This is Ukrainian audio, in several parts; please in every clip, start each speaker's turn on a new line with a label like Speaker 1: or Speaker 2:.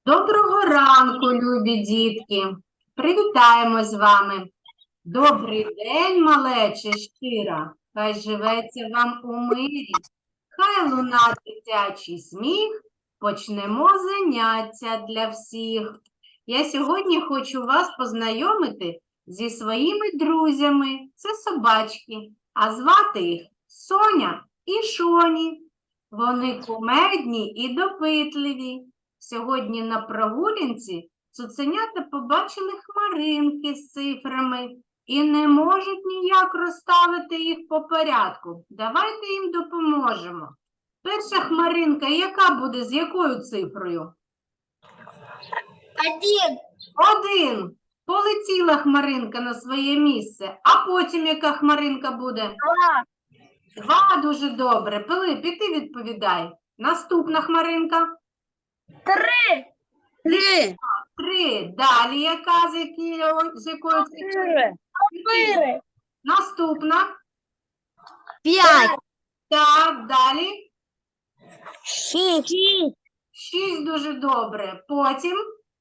Speaker 1: Доброго ранку, любі дітки! Привітаємось з вами! Добрий день, малече щира! Хай живеться вам у мирі, хай луна дитячий сміх, почнемо заняття для всіх. Я сьогодні хочу вас познайомити зі своїми друзями. Це собачки, а звати їх Соня і Шоні. Вони кумедні і допитливі. Сьогодні на прогулянці цуценята побачили хмаринки з цифрами і не можуть ніяк розставити їх по порядку. Давайте їм допоможемо. Перша хмаринка, яка буде, з якою цифрою?
Speaker 2: 1.
Speaker 1: 1. Полетіла хмаринка на своє місце. А потім яка хмаринка буде? 2. Дуже добре. Пилип, і ти відповідай. Наступна хмаринка?
Speaker 2: 3.
Speaker 1: 3. Далі яка, з якою цифрою?
Speaker 2: 4.
Speaker 1: Наступна?
Speaker 2: 5.
Speaker 1: Так, далі?
Speaker 2: 6.
Speaker 1: 6. Дуже добре. Потім?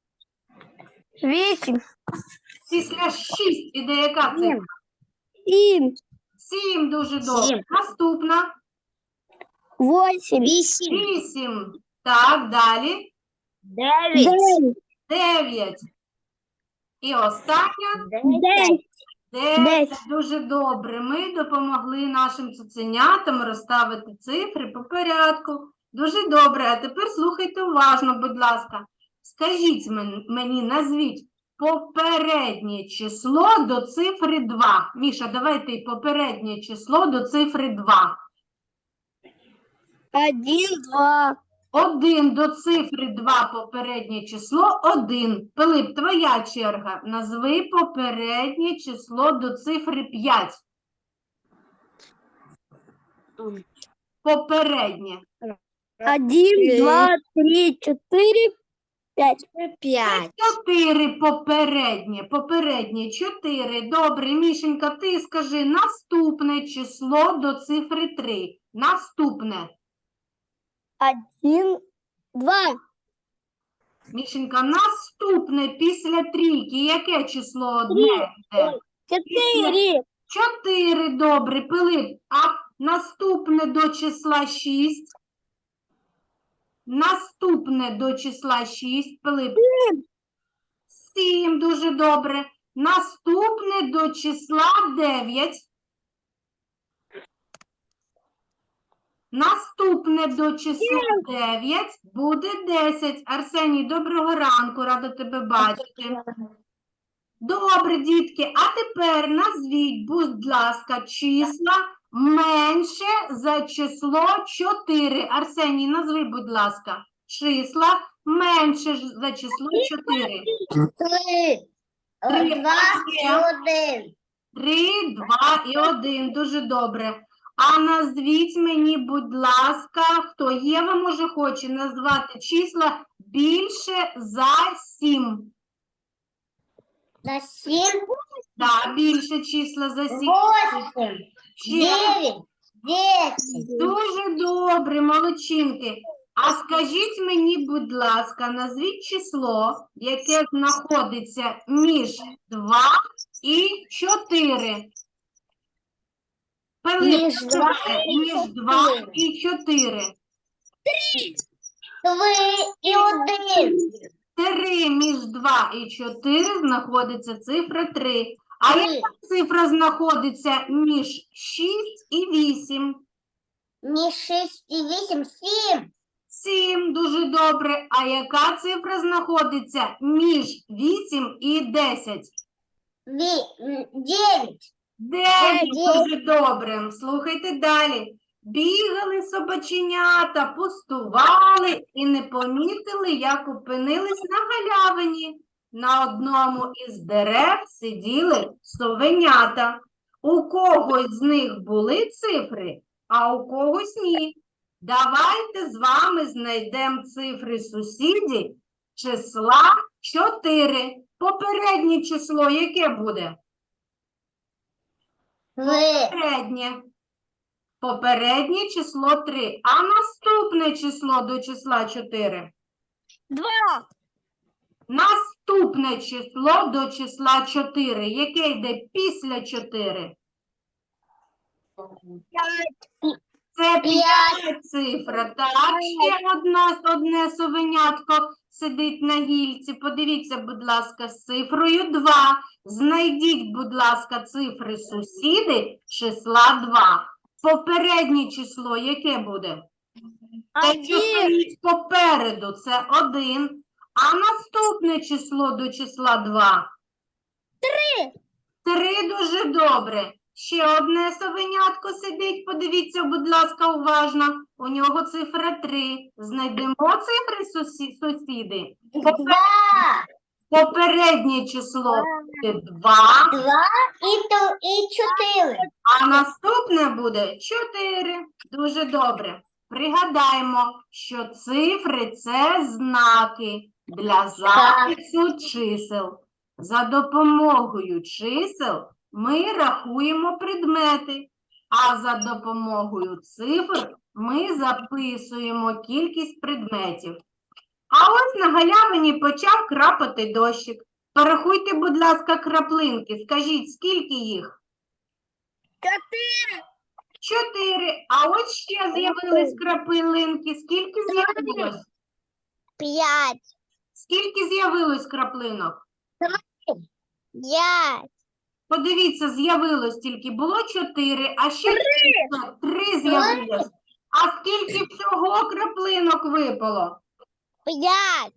Speaker 2: 8.
Speaker 1: Після 6 іде яка цифра?
Speaker 2: 7.
Speaker 1: 7. Дуже добре.
Speaker 2: 7.
Speaker 1: Наступна?
Speaker 2: 8.
Speaker 1: 8. Так, далі?
Speaker 2: 9.
Speaker 1: 9. І остання?
Speaker 2: 10.
Speaker 1: 9. Дуже добре. Ми допомогли нашим цуценятам розставити цифри по порядку. Дуже добре. А тепер слухайте уважно, будь ласка. Скажіть мені, назвіть попереднє число до цифри 2. Міша, давай ти попереднє число до цифри 2.
Speaker 2: 1, 2.
Speaker 1: 1 до цифри 2 попереднє число 1. Пилип, твоя черга. Назви попереднє число до цифри 5. Попереднє.
Speaker 2: 1, 2, 3, 4, 5. 5.
Speaker 1: 4 попереднє. Попереднє 4. Добре, Мішенька, ти скажи наступне число до цифри 3. Наступне.
Speaker 2: 1, 2.
Speaker 1: Мішенька, наступне після трійки. Яке число одне йде?
Speaker 2: 4.
Speaker 1: 4, добре, Пилип. А наступне до числа 6? Наступне до числа 6, Пилип. 7, дуже добре. Наступне до числа 9. Наступне до числа 9 буде 10. Арсеній, доброго ранку, рада тебе бачити. Добре, дітки, а тепер назвіть, будь ласка, числа менше за число 4. Арсеній, назви, будь ласка, числа менше за число 4.
Speaker 2: 3, 2 і 1.
Speaker 1: 3, 2 і 1. Дуже добре. А назвіть мені, будь ласка, хто Єва, може, хоче назвати числа більше за 7.
Speaker 2: За 7.
Speaker 1: Так, більше числа за 7.
Speaker 2: 8.
Speaker 1: Ще
Speaker 2: 9. 10.
Speaker 1: дуже добре, молодчинки. А скажіть мені, будь ласка, назвіть число, яке знаходиться між 2 і 4. Пилип,
Speaker 2: Між 2 і
Speaker 1: між 2 і 4.
Speaker 2: 3 і 1.
Speaker 1: 3 між 2 і 4 знаходиться цифра 3. А яка цифра знаходиться між 6 і 8?
Speaker 2: Між 6 і 8 – 7.
Speaker 1: 7, дуже добре. А яка цифра знаходиться між 8 і 10?
Speaker 2: 9.
Speaker 1: 9, дуже добре. Слухайте далі. Бігали собаченята, пустували і не помітили, як опинились на галявині. На одному із дерев сиділи совенята. У когось з них були цифри, а у когось ні. Давайте з вами знайдемо цифри сусідів числа 4. Попереднє число яке буде? Попереднє. Попереднє число 3. А наступне число до числа 4?
Speaker 2: 2.
Speaker 1: Наступне число до числа 4. Яке йде після 4? Це 5 цифра. Так, ще одне совенятко сидить на гільці. Подивіться, будь ласка, з цифрою 2. Знайдіть, будь ласка, цифри сусіди числа 2. Попереднє число яке буде? Те, що стоїть попереду, це 1. А наступне число до числа 2? 3 дуже добре. Ще одне совенятко сидить, подивіться, будь ласка, уважно. У нього цифра 3. Знайдемо цифри сусіди.
Speaker 2: Два.
Speaker 1: Попереднє число буде 2,
Speaker 2: Два і 4.
Speaker 1: а наступне буде 4. Дуже добре. Пригадаємо, що цифри – це знаки для запису чисел. За допомогою чисел ми рахуємо предмети, а за допомогою цифр ми записуємо кількість предметів. А ось на галявині почав крапати дощик. Порахуйте, будь ласка, краплинки. Скажіть, скільки їх? 4. А ось ще з'явились краплинки. Скільки з'явилось?
Speaker 2: 5.
Speaker 1: Скільки з'явилось краплинок?
Speaker 2: 5.
Speaker 1: Подивіться, з'явилось тільки було 4, а ще 3 з'явилось. А скільки всього краплинок випало?
Speaker 2: 5.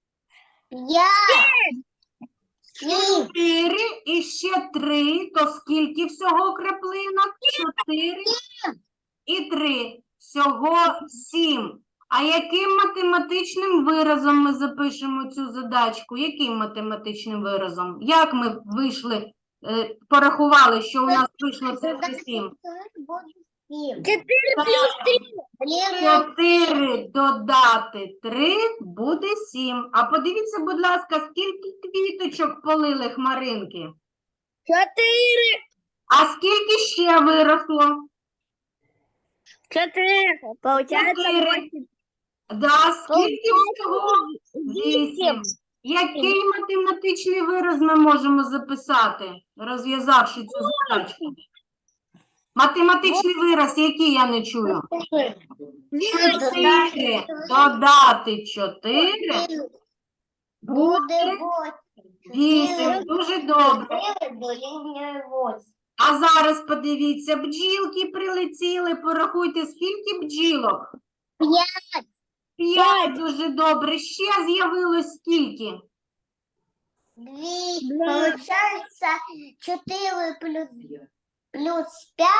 Speaker 2: 5. 7.
Speaker 1: 4 і ще 3, то скільки всього краплинок? 4 і 3. Всього 7. А яким математичним виразом ми запишемо цю задачку? Яким математичним виразом? Як ми вийшли, порахували, що у нас вийшло цифри 7?
Speaker 2: 4 плюс 3.
Speaker 1: 4 додати 3 буде 7. А подивіться, будь ласка, скільки квіточок полили хмаринки?
Speaker 2: 4.
Speaker 1: А скільки ще виросло?
Speaker 2: 4. Получается
Speaker 1: 4. Да, скільки всього? 8. Який математичний вираз ми можемо записати, розв'язавши цю задачку? Математичний вираз, який я не чую? 4 додати 4
Speaker 2: Буде
Speaker 1: 8. Дуже добре.
Speaker 2: 8.
Speaker 1: А зараз подивіться, бджілки прилетіли. Порахуйте, скільки бджілок? 5. Дуже добре. Ще з'явилось скільки?
Speaker 2: 2. Получается 4 плюс 5.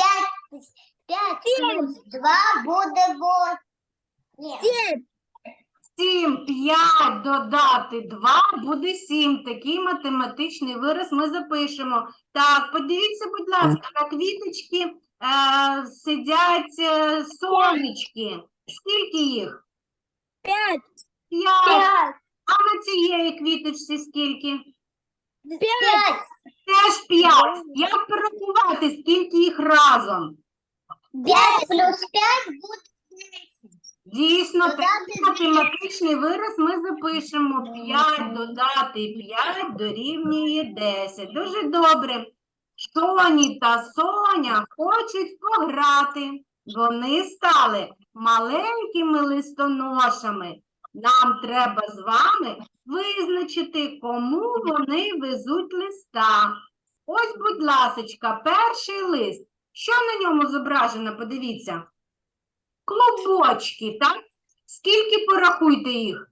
Speaker 2: 5 плюс 2 буде 8.
Speaker 1: 7. 5 додати 2 буде 7. Такий математичний вираз ми запишемо. Так, подивіться, будь ласка, на квіточки сидять сонечки. Скільки їх?
Speaker 2: 5.
Speaker 1: 5. А на цієї квіточці скільки?
Speaker 2: 5.
Speaker 1: Теж 5. Як порахувати, скільки їх разом?
Speaker 2: 5 плюс 5 буде 10.
Speaker 1: Дійсно,
Speaker 2: Додати
Speaker 1: такий математичний вираз ми запишемо. 5 додати 5 дорівнює 10. Дуже добре. Соні та Соня хочуть пограти. Вони стали маленькими листоношами. Нам треба з вами визначити, кому вони везуть листа. Ось, будь ласочка, перший лист. Що на ньому зображено? Подивіться. Клубочки, так? Скільки порахуйте їх?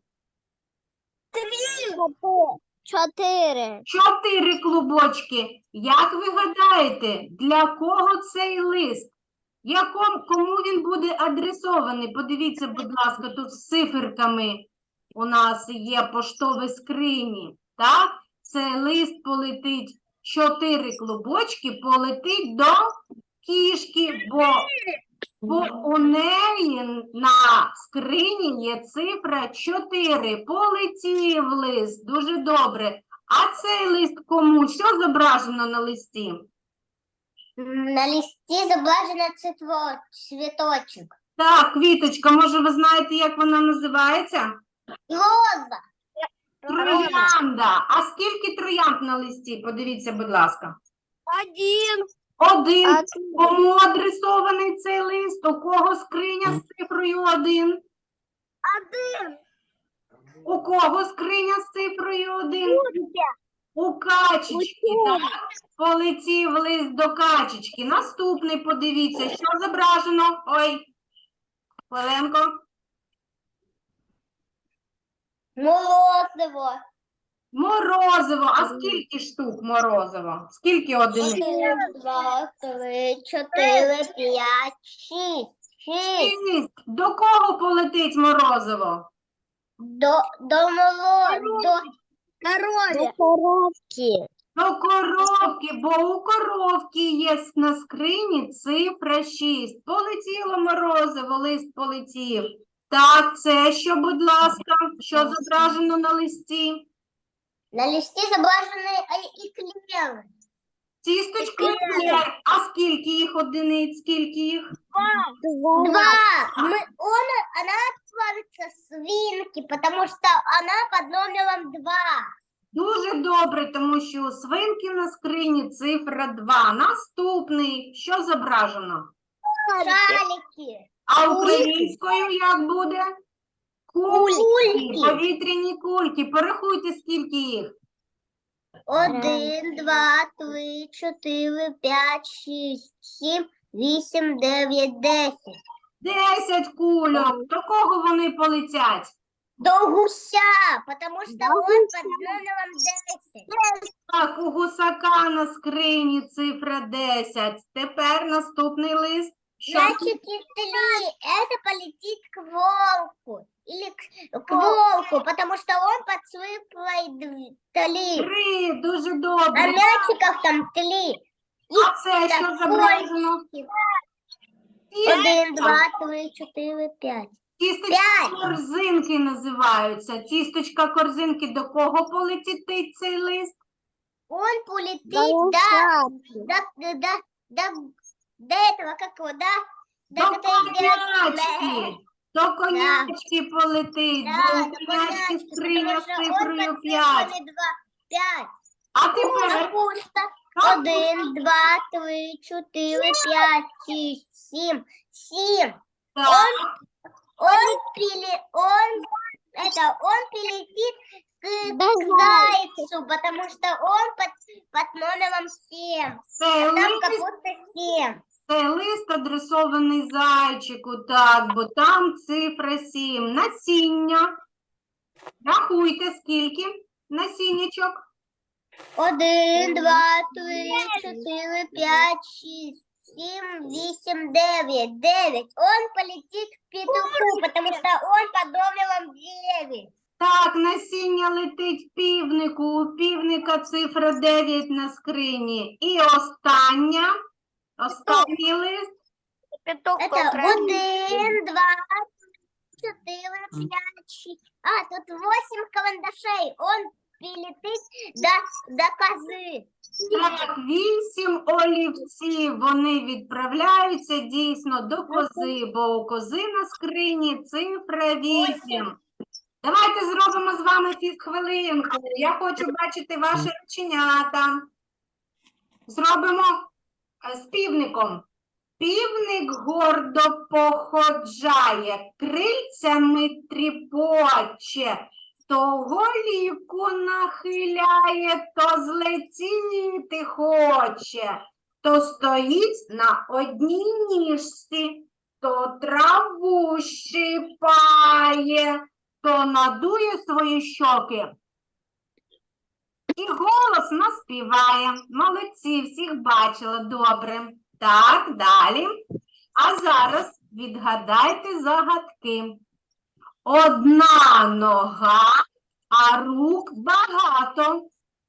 Speaker 2: 4.
Speaker 1: 4 клубочки. Як ви гадаєте, для кого цей лист? Кому він буде адресований? Подивіться, будь ласка, тут з циферками у нас є поштові скрині. Так? Цей лист полетить, 4 клубочки полетить до кішки, бо у неї на скрині є цифра 4. Полетів лист. Дуже добре. А цей лист кому? Що зображено на листі?
Speaker 2: На листі зображено цвіточок.
Speaker 1: Так, квіточка, може ви знаєте, як вона називається?
Speaker 2: Роза.
Speaker 1: Троянда. А скільки троянд на листі? Подивіться, будь ласка.
Speaker 3: Один.
Speaker 1: Один. Кому адресований цей лист? У кого скриня з цифрою 1?
Speaker 3: Один.
Speaker 1: У кого скриня з цифрою 1? У качечки, так? Полетів лист до качечки. Наступний, подивіться, що зображено. Ой, хвилинку.
Speaker 2: Морозиво.
Speaker 1: Морозиво. А скільки штук морозиво? Скільки одиниць?
Speaker 2: 1, 2, 3, 4, 5, 6. 6.
Speaker 1: 6. До кого полетить морозиво?
Speaker 2: До
Speaker 3: Корове.
Speaker 2: коровки.
Speaker 1: До коровки, бо у коровки є на скрині цифра 6. Полетіло морозиво, лист полетів. Так, це що, будь ласка, що зображено на листі?
Speaker 2: На листі зображені еклери.
Speaker 1: Тісточки еклер. А скільки їх одиниць? Скільки їх?
Speaker 2: 2. Она отправится свинки, потому что она под номером 2.
Speaker 1: Дуже добре, тому що у свинки на скрині цифра 2. Наступний, що зображено?
Speaker 2: Шарики.
Speaker 1: А українською як буде?
Speaker 2: Кульки.
Speaker 1: Повітряні кульки. Порахуйте, скільки їх.
Speaker 2: 1, 2, 3, 4, 5, 6, 7, 8, 9, 10.
Speaker 1: 10 кульок. До кого вони полетять?
Speaker 2: До гуся, потому что он под номером 10.
Speaker 1: Так, у гусака на скрині цифра 10. Тепер наступний лист. Що?
Speaker 2: Значит, если это полетит к волку. Или к волку, потому что он под цифрой 3.
Speaker 1: 3. Дуже
Speaker 2: А
Speaker 1: добре.
Speaker 2: мячиков там 3.
Speaker 1: А це що зображено?
Speaker 2: 1, 2, 3, 4, 5.
Speaker 1: Тісточка
Speaker 2: 5.
Speaker 1: корзинки називаються. Тісточка корзинки. До кого полетить цей лист?
Speaker 2: Он полетит до этого, как его,
Speaker 1: До конячки. До конячки полетить. Бо у конячки скриня з цифрою 5.
Speaker 2: 5.
Speaker 1: А тепер
Speaker 2: Капуста. 1, 2, 3, 4, 5, 6, 7. 7.
Speaker 1: так,
Speaker 2: Он прилетит к зайцу, потому что он под номером 7.
Speaker 1: цей
Speaker 2: Там
Speaker 1: лист,
Speaker 2: капуста 7.
Speaker 1: цей лист адресований зайчику, так, бо там цифра 7. Насіння. Рахуйте, скільки насіннячок.
Speaker 2: 1, 2, 3, 4, 5, 6, 7, 8, 9. 9. Он полетит к петуху, потому что он под номером 9.
Speaker 1: Так, насіння летить півнику. У півника цифра 9 на скрині. І останній лист.
Speaker 3: Петух
Speaker 2: Это
Speaker 3: покрасный.
Speaker 2: 1, 2, 4, 5, 6. А, тут 8 карандашей. Он прилетит до козы.
Speaker 1: Так, 8 олівців. Вони відправляються дійсно до кози, бо у кози на скрині цифра 8. Давайте зробимо з вами фізхвилинку. Я хочу бачити ваші рученята. Зробимо з півником. Півник гордо походжає, крильцями тріпоче, то голівку нахиляє, то злетіти хоче, то стоїть на одній ніжці, то траву щипає, то надує свої щоки. І голосно співає. Молодці, всіх бачила, добре. Так, далі. А зараз відгадайте загадки. Одна нога, а рук багато.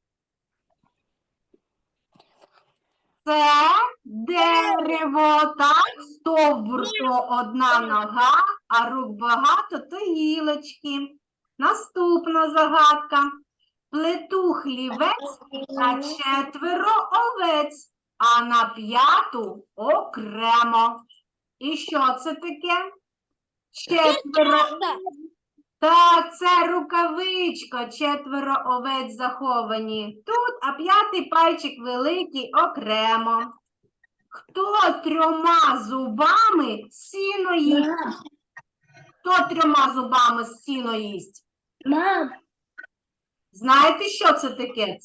Speaker 1: Це дерево, так, стовбур то одна нога, а рук багато то гілочки. Наступна загадка. Плету хлівець та 4 овець, а на 5 окремо. І що це таке? 4. Так, це рукавичка, 4 овець заховані тут, а 5 пальчик великий окремо. Хто 3 зубами сіно їсть? Хто 3 зубами сіно їсть?
Speaker 2: Мам,
Speaker 1: Знаєте, що це таке?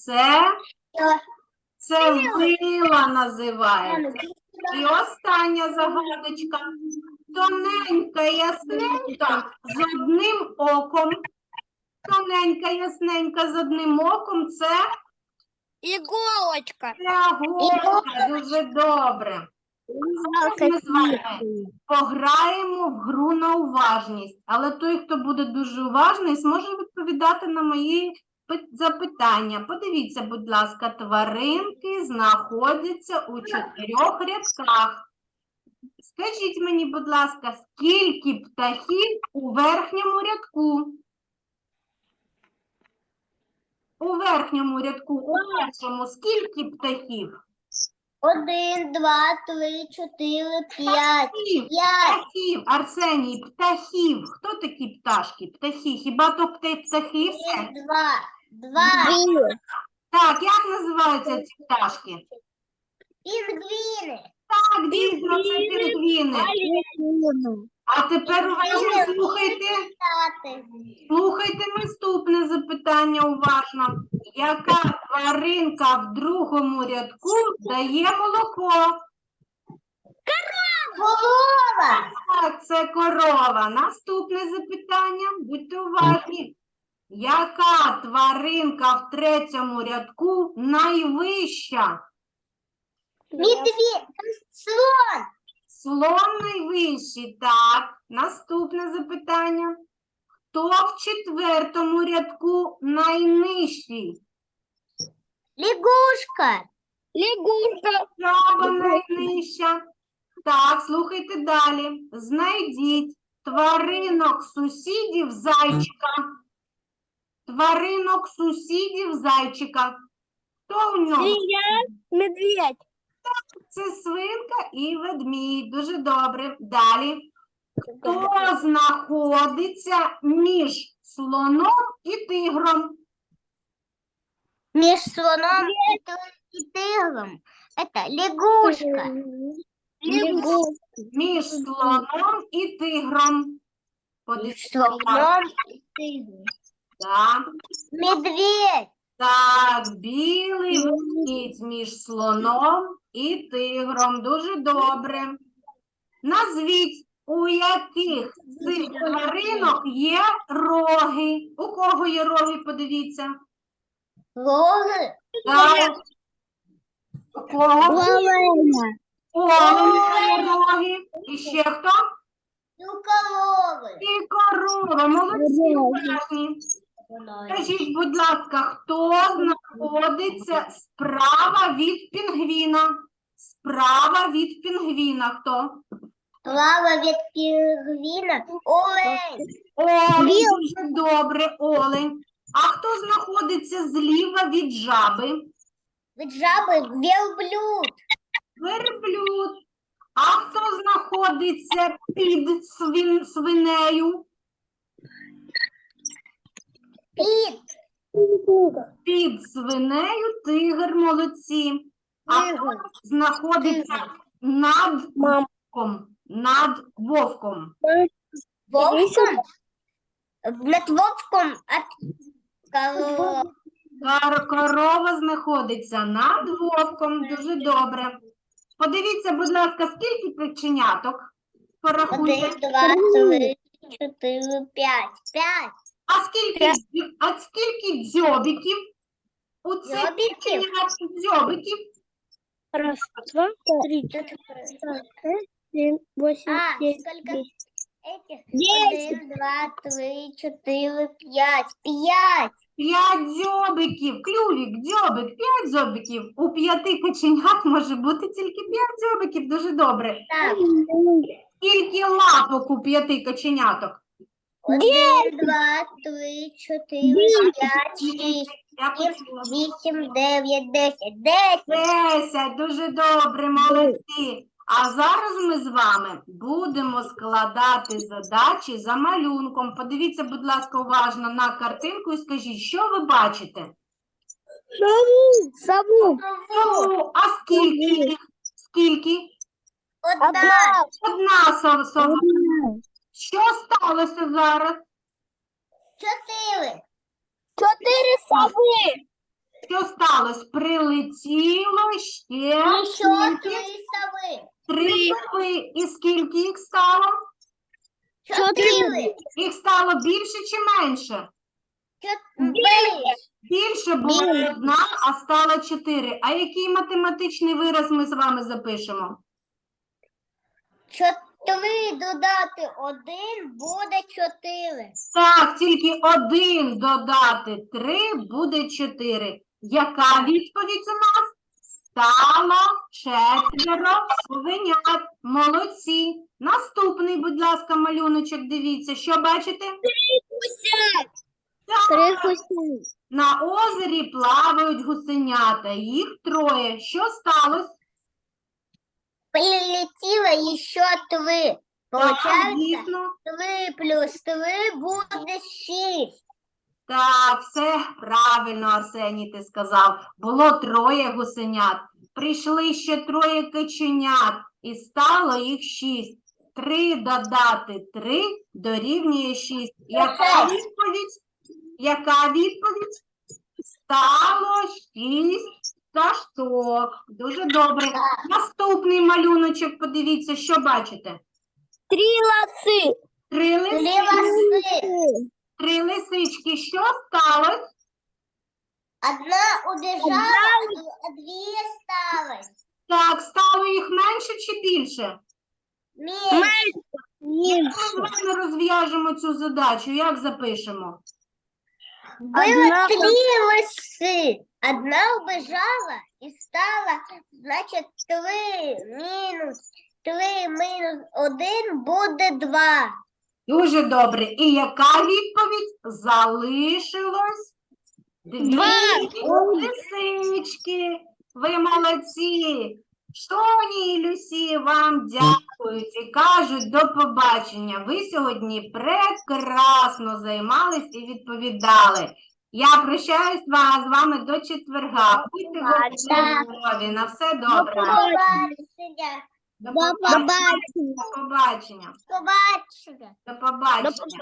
Speaker 1: Це вила називається. І остання загадочка. Тоненька, ясненька, з одним оком. Тоненька, ясненька, з одним оком. Це
Speaker 3: Иголочка.
Speaker 1: голка. Дуже добре. Зараз ми з вами пограємо в гру на уважність. Але той, хто буде дуже уважний, зможе відповідати на мої запитання. Подивіться, будь ласка, тваринки знаходяться у 4 рядках. Скажіть мені, будь ласка, скільки птахів у верхньому рядку? У верхньому рядку, у першому, скільки птахів?
Speaker 2: 1, 2, 3, 4, 5.
Speaker 1: Птахів,
Speaker 2: 5.
Speaker 1: птахів, Арсеній, птахів. Хто такі пташки? Птахи. Хіба то птахи все?
Speaker 2: 2.
Speaker 1: Так, як називаються ці пташки?
Speaker 2: Пингвины.
Speaker 1: Так, дійсно, це пінгвіни. А тепер уважно слухайте. Слухайте наступне запитання уважно. Яка тваринка в другому рядку дає молоко?
Speaker 2: Корова.
Speaker 1: Так, це корова. Наступне запитання. Будьте уважні. Яка тваринка в третьому рядку найвища?
Speaker 2: Медведь. Слон.
Speaker 1: Слон найвищий. Так. Наступне запитання. Хто в четвертому рядку найнижчий?
Speaker 2: Лягушка.
Speaker 3: Лягушка.
Speaker 1: Жаба найнижча. Так, слухайте далі. Знайдіть тваринок сусідів зайчика. Тваринок сусідів зайчика. Хто у нього?
Speaker 3: Свинья. Медведь.
Speaker 1: Це свинка і ведмідь. Дуже добре. Далі. Хто знаходиться між слоном і тигром?
Speaker 2: Между слоном и тигром. Это лягушка.
Speaker 3: Лягушка.
Speaker 1: Між слоном і тигром.
Speaker 2: Между
Speaker 1: Подивіться, будь ласка.
Speaker 2: слоном и тигром.
Speaker 1: Так.
Speaker 2: Медведь.
Speaker 1: Так, білий ведмідь між слоном і тигром. Дуже добре. Назвіть, у яких з цих тваринок є роги. У кого є роги, подивіться.
Speaker 2: Лоры.
Speaker 1: Так. У кого?
Speaker 2: Оленя.
Speaker 1: У оленя є роги. І ще хто?
Speaker 2: И у коровы.
Speaker 1: І корова. Молодці, уважні. Скажіть, будь ласка, хто знаходиться справа від пінгвіна? Справа від пінгвіна хто?
Speaker 2: Лава від пингвина. Олень.
Speaker 1: Олень, дуже добре, олень. А хто знаходиться зліва від жаби?
Speaker 2: Від жаби верблюд.
Speaker 1: Верблюд. А хто знаходиться під свинею?
Speaker 2: Піт.
Speaker 1: Під свинею тигр, молодці. А хто знаходиться над вовком? Над вовком.
Speaker 2: Вовком. Над вовком от коровы.
Speaker 1: Корова знаходиться над вовком. Дуже добре. Подивіться, будь ласка, скільки печеняток? Порахуйте.
Speaker 2: 1, 2, 3, 4, 5. 5.
Speaker 1: А скільки дзьобиків? У цих
Speaker 2: Дзьобиків?
Speaker 1: печеняток дзьобиків?
Speaker 3: Раз, два, три, 7, 8,
Speaker 2: А,
Speaker 3: 9,
Speaker 2: сколько
Speaker 3: 10.
Speaker 2: этих? 1, 2, 3, 4, 5. 5.
Speaker 1: 5 дзьобиків. Клювік, дзьобик, 5 дзьобиків. У 5 каченят може бути тільки 5 дзьобиків. Дуже добре.
Speaker 2: Так.
Speaker 1: Скільки лапок у 5 каченяток?
Speaker 2: 1, 2, 3, 4, 5, 6,
Speaker 1: Я почула.
Speaker 2: 8, 9, 10. 10.
Speaker 1: 10. Дуже добре, молодці. А зараз ми з вами будемо складати задачі за малюнком. Подивіться, будь ласка, уважно на картинку і скажіть, що ви бачите?
Speaker 3: Сову.
Speaker 1: Сову. А скільки їх? Скільки?
Speaker 2: Одна.
Speaker 1: Одна сова. Що сталося зараз?
Speaker 2: 4.
Speaker 3: 4 совы.
Speaker 1: Що сталося? Прилетіло ще
Speaker 2: Еще 3 совы.
Speaker 1: 3 сови. І скільки їх стало?
Speaker 2: 4.
Speaker 1: Їх стало більше чи менше? Більше було одна, а стало 4. А який математичний вираз ми з вами запишемо?
Speaker 2: 4 додати 1 буде 4.
Speaker 1: Так, тільки 1 додати 3 буде 4. Яка відповідь у нас? Стало 4 совенят. Молодці. Наступний, будь ласка, малюночок, дивіться. Що бачите? Так, на озері плавають гусенята. Їх 3. Що сталося?
Speaker 2: Прилетело еще 3.
Speaker 1: Так,
Speaker 2: Получается,
Speaker 1: дійсно.
Speaker 2: 3 плюс 3 будет 6.
Speaker 1: Так, все правильно, Арсеній, ти сказав. Було 3 гусенят. Прийшли ще 3 каченят. І стало їх 6. 3 додати 3 дорівнює 6. Яка відповідь? Яка відповідь? Стало 6 пташок. Дуже добре. Наступний малюночок, подивіться, що бачите?
Speaker 3: 3 лосы.
Speaker 1: 3
Speaker 2: 3
Speaker 1: лисички.
Speaker 2: лосы.
Speaker 1: 3 лисички. Що сталося?
Speaker 2: Одна убежала, а 2 осталось.
Speaker 1: Так, стало їх менше чи більше?
Speaker 2: Меньше.
Speaker 1: Як ми з вами розв'яжемо цю задачу? Як запишемо?
Speaker 2: Было 3 лосы. Одна убежала и стала, значит, 3 минус 1 будет 2.
Speaker 1: Дуже добре. І яка відповідь? Залишилось 2 лисички. Ви молодці. Тоні і Люсі вам дякують і кажуть до побачення. Ви сьогодні прекрасно займались і відповідали. Я прощаюсь з вами до четверга. Будьте здорові. На все добре.
Speaker 2: Побачення.
Speaker 1: До побачення. До побачення.
Speaker 2: Побачення.
Speaker 1: До побачення.